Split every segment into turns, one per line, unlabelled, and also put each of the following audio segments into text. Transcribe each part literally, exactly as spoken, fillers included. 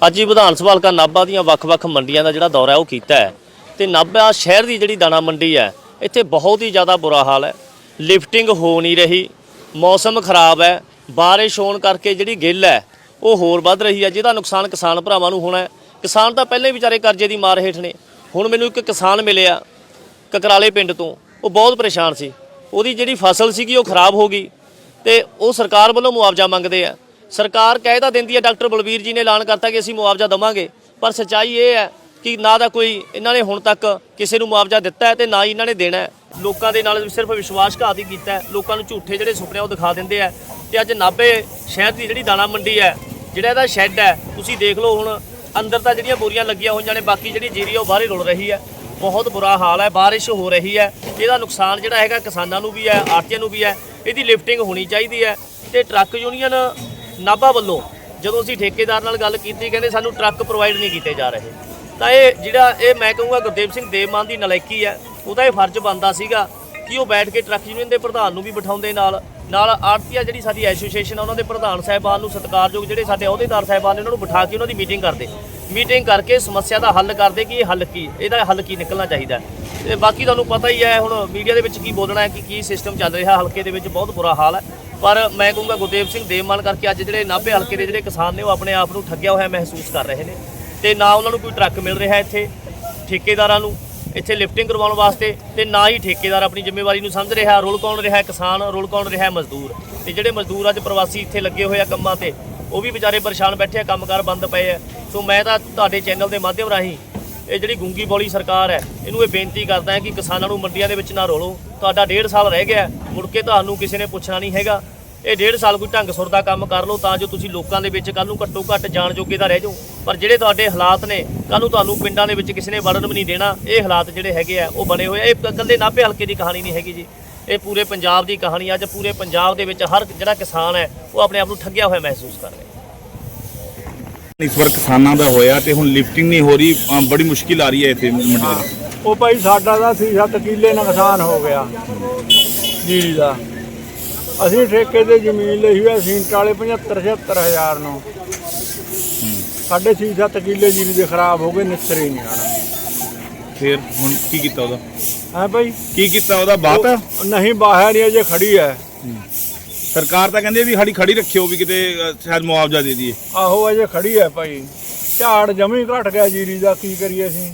ਅੱਜ ਹੀ ਵਿਧਾਨ ਸਭਾ ਹਲਕਾ ਨਾਭਾ ਦੀਆਂ ਵੱਖ-ਵੱਖ ਮੰਡੀਆਂ ਦਾ ਜਿਹੜਾ ਦੌਰਾ ਹੈ ਉਹ ਕੀਤਾ ਹੈ ਤੇ ਨਾਭਾ ਸ਼ਹਿਰ ਦੀ ਜਿਹੜੀ ਦਾਣਾ ਮੰਡੀ ਹੈ ਇੱਥੇ ਬਹੁਤ ਹੀ ਜ਼ਿਆਦਾ ਬੁਰਾ ਹਾਲ ਹੈ। ਲਿਫਟਿੰਗ ਹੋ ਨਹੀਂ ਰਹੀ, ਮੌਸਮ ਖਰਾਬ ਹੈ, ਬਾਰਿਸ਼ ਹੋਣ ਕਰਕੇ ਜਿਹੜੀ ਗਿੱਲ ਹੈ ਉਹ ਹੋਰ ਵੱਧ ਰਹੀ ਹੈ, ਜਿਹਦਾ ਨੁਕਸਾਨ ਕਿਸਾਨ ਭਰਾਵਾਂ ਨੂੰ ਹੋਣਾ ਹੈ। ਕਿਸਾਨ ਤਾਂ ਪਹਿਲੇ ਵਿਚਾਰੇ ਕਰਜ਼ੇ ਦੀ ਮਾਰ ਹੇਠ ਨੇ। ਹੁਣ ਮੈਨੂੰ ਇੱਕ ਕਿਸਾਨ ਮਿਲਿਆ ਕਕਰਾਲੇ ਪਿੰਡ ਤੋਂ, ਉਹ ਬਹੁਤ ਪਰੇਸ਼ਾਨ ਸੀ। ਉਹਦੀ ਜਿਹੜੀ ਫਸਲ ਸੀਗੀ ਉਹ ਖਰਾਬ ਹੋ ਗਈ ਤੇ ਉਹ ਸਰਕਾਰ ਵੱਲੋਂ ਮੁਆਵਜ਼ਾ ਮੰਗਦੇ ਆ। ਸਰਕਾਰ ਕਹਿ ਤਾਂ ਦਿੰਦੀ ਹੈ, ਡਾਕਟਰ ਬਲਬੀਰ ਜੀ ਨੇ ਐਲਾਨ ਕਰਤਾ ਕਿ ਅਸੀਂ ਮੁਆਵਜ਼ਾ ਦੇਵਾਂਗੇ, ਪਰ ਸੱਚਾਈ ਇਹ ਹੈ ਕਿ ਨਾ ਦਾ ਕੋਈ ਇਹਨਾਂ ਨੇ ਹੁਣ ਤੱਕ ਕਿਸੇ ਨੂੰ ਮੁਆਵਜ਼ਾ ਦਿੱਤਾ ਹੈ ਤੇ ਨਾ ਹੀ ਇਹਨਾਂ ਨੇ ਦੇਣਾ ਹੈ। ਲੋਕਾਂ ਦੇ ਨਾਲ ਸਿਰਫ ਵਿਸ਼ਵਾਸਘਾਤ ਹੀ ਕੀਤਾ ਹੈ। ਲੋਕਾਂ ਨੂੰ ਝੂਠੇ ਜਿਹੜੇ ਸੁਪਨੇ ਉਹ ਦਿਖਾ ਦਿੰਦੇ ਆ। ਤੇ ਅੱਜ ਨਾਭੇ ਸ਼ਹਿਰ ਦੀ ਜਿਹੜੀ ਦਾਣਾ ਮੰਡੀ ਹੈ, ਜਿਹੜਾ ਇਹਦਾ ਸ਼ੈੱਡ ਹੈ, ਤੁਸੀਂ ਦੇਖ ਲਓ ਹੁਣ ਅੰਦਰ ਤਾਂ ਜਿਹੜੀਆਂ ਬੋਰੀਆਂ ਲੱਗੀਆਂ ਹੋਈਆਂ ਨੇ, ਬਾਕੀ ਜਿਹੜੀ ਜੀਰੀ ਉਹ ਬਾਹਰ ਹੀ ਰੁਲ ਰਹੀ ਹੈ। ਬਹੁਤ ਬੁਰਾ ਹਾਲ ਹੈ, ਬਾਰਿਸ਼ ਹੋ ਰਹੀ ਹੈ, ਇਹਦਾ ਨੁਕਸਾਨ ਜਿਹੜਾ ਹੈਗਾ ਕਿਸਾਨਾਂ ਨੂੰ ਵੀ ਹੈ, ਆੜ੍ਹਤੀਆਂ ਨੂੰ ਵੀ ਹੈ। ਇਹਦੀ ਲਿਫਟਿੰਗ ਹੋਣੀ ਚਾਹੀਦੀ ਹੈ। ਤੇ ਟਰੱਕ ਯੂਨੀਅਨ ਨਾਭਾ ਵੱਲੋਂ ਜਦੋਂ ਅਸੀਂ ਠੇਕੇਦਾਰ ਨਾਲ ਗੱਲ ਕੀਤੀ, ਕਹਿੰਦੇ ਸਾਨੂੰ ਟਰੱਕ ਪ੍ਰੋਵਾਈਡ ਨਹੀਂ ਕੀਤੇ ਜਾ ਰਹੇ। ਤਾਂ ਇਹ ਜਿਹੜਾ ਇਹ ਮੈਂ ਕਹੂੰਗਾ ਗੁਰਦੇਵ ਸਿੰਘ ਦੇਵਮਾਨ ਦੀ ਨਲਾਇਕੀ ਹੈ। ਉਹਦਾ ਇਹ ਫਰਜ਼ ਬਣਦਾ ਸੀਗਾ ਕਿ ਉਹ ਬੈਠ ਕੇ ਟਰੱਕ ਯੂਨੀਅਨ ਦੇ ਪ੍ਰਧਾਨ ਨੂੰ ਵੀ ਬਿਠਾਉਂਦੇ, ਨਾਲ ਨਾਲ ਆੜ੍ਹਤੀਆ ਜਿਹੜੀ ਸਾਡੀ ਐਸੋਸੀਏਸ਼ਨ ਆ ਉਹਨਾਂ ਦੇ ਪ੍ਰਧਾਨ ਸਾਹਿਬਾਨ ਨੂੰ, ਸਤਿਕਾਰਯੋਗ ਜਿਹੜੇ ਸਾਡੇ ਅਹੁਦੇਦਾਰ ਸਾਹਿਬਾਨ ਨੇ, ਉਹਨਾਂ ਨੂੰ ਬਿਠਾ ਕੇ ਉਹਨਾਂ ਦੀ ਮੀਟਿੰਗ ਕਰਦੇ ਮੀਟਿੰਗ ਕਰਕੇ ਸਮੱਸਿਆ ਦਾ ਹੱਲ ਕਰਦੇ ਕਿ ਇਹ ਹੱਲ ਕੀ, ਇਹਦਾ ਹੱਲ ਕੀ ਨਿਕਲਣਾ ਚਾਹੀਦਾ। ਤੇ ਬਾਕੀ ਤੁਹਾਨੂੰ ਪਤਾ ਹੀ ਹੈ ਹੁਣ ਮੀਡੀਆ ਦੇ ਵਿੱਚ ਕੀ ਬੋਲਣਾ ਹੈ ਕਿ ਕੀ ਸਿਸਟਮ ਚੱਲ ਰਿਹਾ ਹਲਕੇ ਦੇ ਵਿੱਚ। ਬਹੁਤ ਬੁਰਾ ਹਾਲ ਹੈ। ਪਰ ਮੈਂ ਕਹੂੰਗਾ ਗੁਰਦੇਵ ਸਿੰਘ ਦੇਵਮਾਨ ਕਰਕੇ ਅੱਜ ਜਿਹੜੇ ਨਾਭੇ ਹਲਕੇ ਦੇ ਜਿਹੜੇ ਕਿਸਾਨ ਨੇ ਉਹ ਆਪਣੇ ਆਪ ਨੂੰ ਠੱਗਿਆ ਹੋਇਆ ਮਹਿਸੂਸ ਕਰ ਰਹੇ ਨੇ। ਤੇ ਨਾ ਉਹਨਾਂ ਨੂੰ ਕੋਈ ਟਰੱਕ ਮਿਲ ਰਿਹਾ ਇੱਥੇ ਠੇਕੇਦਾਰਾਂ ਨੂੰ ਇੱਥੇ ਲਿਫਟਿੰਗ ਕਰਵਾਉਣ ਵਾਸਤੇ, ਤੇ ਨਾ ਹੀ ਠੇਕੇਦਾਰ ਆਪਣੀ ਜ਼ਿੰਮੇਵਾਰੀ ਨੂੰ ਸਮਝ ਰਿਹਾ। ਰੁਲ ਕੌਣ ਰਿਹਾ ਕਿਸਾਨ, ਰੁਲ ਕੌਣ ਰਿਹਾ ਮਜ਼ਦੂਰ। ਤੇ ਜਿਹੜੇ ਮਜ਼ਦੂਰ ਅੱਜ ਪ੍ਰਵਾਸੀ ਇੱਥੇ ਲੱਗੇ ਹੋਏ ਆ ਕੰਮਾਂ ਤੇ, ਉਹ ਵੀ ਵਿਚਾਰੇ ਪਰੇਸ਼ਾਨ ਬੈਠੇ ਆ, ਕੰਮਕਾਰ ਬੰਦ ਪਏ ਆ। ਸੋ ਮੈਂ ਤਾਂ ਤੁਹਾਡੇ ਚੈਨਲ ਦੇ ਮਾਧਿਅਮ ਰਾਹੀਂ ਇਹ ਜਿਹੜੀ ਗੂੰਗੀ ਬੋਲੀ ਸਰਕਾਰ ਹੈ ਇਹਨੂੰ ਇਹ ਬੇਨਤੀ ਕਰਦਾ ਹੈ ਕਿ ਕਿਸਾਨਾਂ ਨੂੰ ਮੰਡੀਆਂ ਦੇ ਵਿੱਚ ਨਾ ਰੋਲੋ। ਤੁਹਾਡਾ ਡੇਢ ਸਾਲ ਰਹਿ ਗਿਆ, ਮੁੜ ਕੇ ਤੁਹਾਨੂੰ ਕਿਸੇ ਨੇ ਪੁੱਛਣਾ ਨਹੀਂ ਹੈਗਾ। ਇਹ ਡੇਢ ਸਾਲ ਕੋਈ ਢੰਗ ਸੁਰ ਦਾ ਕੰਮ ਕਰ ਲਓ ਤਾਂ ਜੋ ਤੁਸੀਂ ਲੋਕਾਂ ਦੇ ਵਿੱਚ ਕੱਲ੍ਹ ਨੂੰ ਘੱਟੋ ਘੱਟ ਜਾਣ ਜੋਗੇ ਤਾਂ ਰਹਿ ਜਾਓ। ਪਰ ਜਿਹੜੇ ਤੁਹਾਡੇ ਹਾਲਾਤ ਨੇ, ਕੱਲ੍ਹ ਨੂੰ ਤੁਹਾਨੂੰ ਪਿੰਡਾਂ ਦੇ ਵਿੱਚ ਕਿਸੇ ਨੇ ਵੜਨ ਵੀ ਨਹੀਂ ਦੇਣਾ। ਇਹ ਹਾਲਾਤ ਜਿਹੜੇ ਹੈਗੇ ਆ ਉਹ ਬਣੇ ਹੋਏ ਆ। ਇਹ ਇਕੱਲੇ ਨਾਭੇ ਹਲਕੇ ਦੀ ਕਹਾਣੀ ਨਹੀਂ ਹੈਗੀ ਜੀ, ਇਹ ਪੂਰੇ ਪੰਜਾਬ ਦੀ ਕਹਾਣੀ। ਅੱਜ ਪੂਰੇ ਪੰਜਾਬ ਦੇ ਵਿੱਚ ਹਰ ਜਿਹੜਾ ਕਿਸਾਨ ਹੈ ਉਹ ਆਪਣੇ ਆਪ ਨੂੰ ਠੱਗਿਆ ਹੋਇਆ ਮਹਿਸੂਸ ਕਰ ਰਿਹਾ।
ਇਸ ਵਾਰ ਕਿਸਾਨਾਂ ਦਾ ਹੋਇਆ ਤੇ ਹੁਣ ਲਿਫਟਿੰਗ ਨਹੀਂ ਹੋ ਰਹੀ, ਬੜੀ ਮੁਸ਼ਕਿਲ ਆ ਰਹੀ ਹੈ ਇੱਥੇ ਮੰਡੀ ਦੇ।
ਉਹ ਭਾਈ ਸਾਡਾ ਤਾਂ ਸੀ ਸੱਤ ਕਿੱਲੇ ਨੁਕਸਾਨ ਹੋ ਗਿਆ ਜੀਰੀ ਦਾ। ਅਸੀਂ ਠੇਕੇ ਤੇ ਜ਼ਮੀਨ ਲਈ ਹੋਈ ਸੀਂਟ ਵਾਲੇ ਪਝੱਤਰ ਛਿਹੱਤਰ ਹਜ਼ਾਰ ਨੂੰ। ਸਾਡੇ ਛੇ ਸੱਤ ਕਿੱਲੇ ਜੀਰੀ ਦੇ ਖਰਾਬ ਹੋ ਗਏ, ਨਿਸਰ ਹੀ ਨਹੀਂ ਆਣਾ।
ਫਿਰ ਹੁਣ ਕੀ ਕੀਤਾ ਉਹਦਾ?
ਹੈ ਭਾਈ
ਕੀ ਕੀਤਾ ਉਹਦਾ? ਬਾਤ ਹੈ
ਨਹੀਂ, ਬਾਹਰ ਹੀ ਅਜੇ ਖੜੀ ਹੈ।
ਸਰਕਾਰ ਤਾਂ ਕਹਿੰਦੀ ਵੀ ਖੜੀ ਖੜੀ ਰੱਖਿਓ ਵੀ ਕਿਤੇ ਸ਼ਾਇਦ ਮੁਆਵਜ਼ਾ ਦੇ ਦਈਏ।
ਆਹੋ ਅਜੇ ਖੜੀ ਹੈ ਭਾਈ। ਝਾੜ ਜਮੀ ਘਟ ਗਿਆ ਜੀਰੀ ਦਾ, ਕੀ ਕਰੀਏ ਅਸੀਂ।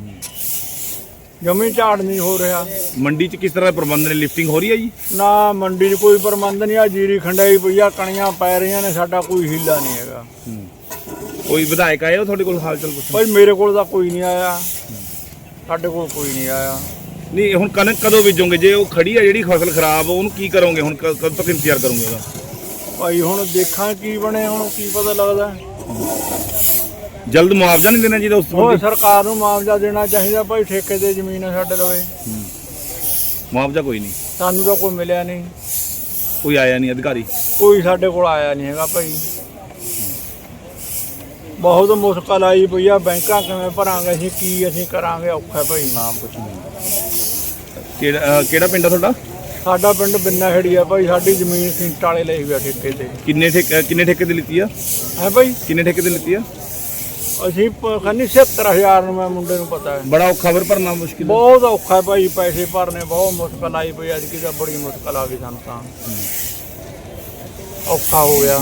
ਜਮੀ ਝਾੜ ਨਹੀਂ ਹੋ ਰਿਹਾ।
ਮੰਡੀ 'ਚ ਕਿਸ ਤਰ੍ਹਾਂ ਦੇ ਪ੍ਰਬੰਧ ਨੇ? ਲਿਫਟਿੰਗ ਹੋ ਰਹੀ ਹੈ ਜੀ?
ਨਾ ਮੰਡੀ 'ਚ ਕੋਈ ਪ੍ਰਬੰਧ ਨਹੀਂ ਆ। ਜੀਰੀ ਖੰਡਾਈ ਪਈ ਆ, ਕਣੀਆਂ ਪੈ ਰਹੀਆਂ ਨੇ, ਸਾਡਾ ਕੋਈ ਹੀਲਾ ਨਹੀਂ ਹੈਗਾ।
ਕੋਈ ਵਿਧਾਇਕ ਆਏ ਹੋ ਤੁਹਾਡੇ ਕੋਲ ਹਾਲ ਚਾਲ ਪੁੱਛਣ?
ਭਾਈ ਮੇਰੇ ਕੋਲ ਤਾਂ ਕੋਈ ਨਹੀਂ ਆਇਆ, ਸਾਡੇ ਕੋਲ ਕੋਈ ਨਹੀਂ ਆਇਆ।
ਨਹੀਂ ਹੁਣ ਕਣਕ ਕਦੋਂ ਬੀਜੋਗੇ? ਜੇ ਉਹ ਖੜੀ ਹੈ ਜਿਹੜੀ ਫਸਲ ਖਰਾਬ, ਉਹਨੂੰ ਕੀ ਕਰੋਗੇ ਹੁਣ? ਕਦੋਂ ਤੱਕ ਇੰਤਜ਼ਾਰ ਕਰੋਗੇ ਉਹਦਾ?
ਭਾਈ ਹੁਣ ਦੇਖਾਂ ਕੀ ਬਣੇ, ਹੁਣ ਕੀ ਪਤਾ ਲੱਗਦਾ।
ਜਲਦ ਮੁਆਵਜ਼ਾ ਨਹੀਂ ਦੇਣਾ ਚਾਹੀਦਾ? ਉਸ
ਉਹ ਸਰਕਾਰ ਨੂੰ ਮੁਆਵਜ਼ਾ ਦੇਣਾ ਚਾਹੀਦਾ ਭਾਈ। ਠੇਕੇ ਤੇ ਜ਼ਮੀਨ ਹੈ ਸਾਡੇ ਲਵੇ,
ਮੁਆਵਜ਼ਾ ਕੋਈ ਨਹੀਂ
ਸਾਨੂੰ ਤਾਂ ਕੋਈ ਮਿਲਿਆ ਨਹੀਂ,
ਕੋਈ ਆਇਆ ਨਹੀਂ ਅਧਿਕਾਰੀ,
ਕੋਈ ਸਾਡੇ ਕੋਲ ਆਇਆ ਨਹੀਂ ਹੈਗਾ ਭਾਈ। ਬਹੁਤ ਮੁਸ਼ਕਲ ਆਈ ਪਈ ਆ। ਬੈਂਕਾਂ ਕਿਵੇਂ ਭਰਾਂਗੇ ਅਸੀਂ, ਕੀ ਅਸੀਂ ਕਰਾਂਗੇ, ਔਖਾ ਭਾਈ।
ਨਾਮ ਕੁਛ ਨਹੀਂ। ਕਿਹੜਾ ਕਿਹੜਾ ਪਿੰਡ ਆ ਤੁਹਾਡਾ?
ਸਾਡਾ ਪਿੰਡ ਬਿੰਨਾ ਖੇੜੀ ਆ ਭਾਈ। ਸਾਡੀ ਜ਼ਮੀਨ ਸਿੰਟ ਵਾਲੇ ਲਈ ਹੋਈ ਆ ਠੇਕੇ ਤੇ।
ਕਿੰਨੇ ਠੇਕੇ ਕਿੰਨੇ ਠੇਕੇ ਤੇ ਲਿੱਤੀ ਆ?
ਹੈ ਭਾਈ
ਕਿੰਨੇ ਠੇਕੇ ਤੇ ਲਿੱਤੀ ਆ?
ਅਸੀਂ ਖੰਨੀ ਛਿਹੱਤਰ ਹਜ਼ਾਰ ਨੂੰ, ਮੈਂ ਮੁੰਡੇ ਨੂੰ ਪਤਾ ਹੈ।
ਬੜਾ ਔਖਾ ਫਿਰ ਭਰਨਾ ਮੁਸ਼ਕਿਲ,
ਬਹੁਤ ਔਖਾ ਭਾਈ। ਪੈਸੇ ਭਰਨੇ ਬਹੁਤ ਮੁਸ਼ਕਲ ਆਈ ਪਈ ਅੱਜ ਕੀ ਤਾਂ ਬੜੀ ਮੁਸ਼ਕਲ ਆ ਗਈ ਸਾਨੂੰ, ਤਾਂ ਔਖਾ ਹੋ ਗਿਆ।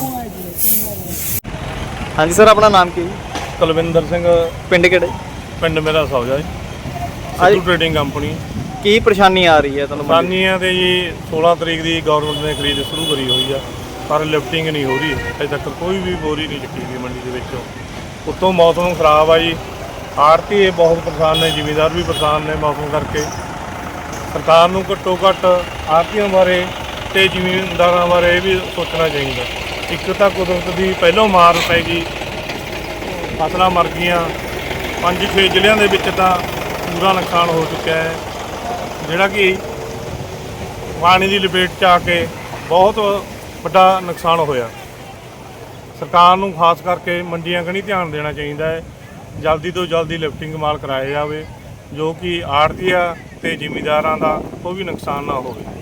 ਹਾਂਜੀ ਸਰ, ਆਪਣਾ ਨਾਮ ਕੀ?
ਕੁਲਵਿੰਦਰ ਸਿੰਘ।
ਪਿੰਡ ਕਿਹੜੇ?
ਪਿੰਡ ਮੇਰਾ ਸੌਜਾ ਜੀ, ਸਿੱਧੂ ਟ੍ਰੇਡਿੰਗ ਕੰਪਨੀ।
ਕੀ ਪਰੇਸ਼ਾਨੀ ਆ ਰਹੀ ਹੈ ਤੁਹਾਨੂੰ?
ਪਰੇਸ਼ਾਨੀਆਂ ਤੇ ਜੀ ਸੋਲਾਂ ਤਰੀਕ ਦੀ ਗਵਰਨਮੈਂਟ ਨੇ ਖਰੀਦ ਸ਼ੁਰੂ ਕਰੀ ਹੋਈ ਆ, ਪਰ ਲਿਫਟਿੰਗ ਨਹੀਂ ਹੋ ਰਹੀ ਅਜੇ ਤੱਕ। ਕੋਈ ਵੀ ਬੋਰੀ ਨਹੀਂ ਚੱਕੀ ਗਈ ਮੰਡੀ ਦੇ ਵਿੱਚੋਂ। ਉੱਤੋਂ ਮੌਸਮ ਖਰਾਬ ਆ ਜੀ, ਆੜ੍ਹਤੀ ਬਹੁਤ ਪਰੇਸ਼ਾਨ ਨੇ, ਜ਼ਿਮੀਂਦਾਰ ਵੀ ਪਰੇਸ਼ਾਨ ਨੇ ਮੌਸਮ ਕਰਕੇ। ਸਰਕਾਰ ਨੂੰ ਘੱਟੋ ਘੱਟ ਆੜ੍ਹਤੀਆਂ ਬਾਰੇ ਤੇ ਜ਼ਿਮੀਂਦਾਰਾਂ ਬਾਰੇ ਇਹ ਵੀ ਸੋਚਣਾ ਚਾਹੀਦਾ। ਇੱਕ ਤਾਂ ਕੁਦਰਤ ਦੀ ਪਹਿਲੋਂ ਮਾਰ ਪੈ ਗਈ, ਫਸਲਾਂ ਮਰ ਗਈਆਂ। ਪੰਜ ਛੇ ਜ਼ਿਲ੍ਹਿਆਂ ਦੇ ਵਿੱਚ ਤਾਂ ਪੂਰਾ ਨੁਕਸਾਨ ਹੋ ਚੁੱਕਿਆ ਹੈ, ਜਿਹੜਾ ਕਿ ਪਾਣੀ ਦੀ ਲਪੇਟ 'ਚ ਆ ਕੇ ਬਹੁਤ ਵੱਡਾ ਨੁਕਸਾਨ ਹੋਇਆ। ਸਰਕਾਰ ਨੂੰ ਖਾਸ ਕਰਕੇ ਮੰਡੀਆਂ ਕਨੀ ਧਿਆਨ ਦੇਣਾ ਚਾਹੀਦਾ ਹੈ। ਜਲਦੀ ਤੋਂ ਜਲਦੀ ਲਿਫਟਿੰਗ ਮਾਲ ਕਰਾਇਆ ਜਾਵੇ, ਜੋ ਕਿ ਆੜ੍ਹਤੀਆ ਤੇ ਜ਼ਿਮੀਂਦਾਰਾਂ ਦਾ ਕੋਈ ਵੀ ਨੁਕਸਾਨ ਨਾ ਹੋਵੇ।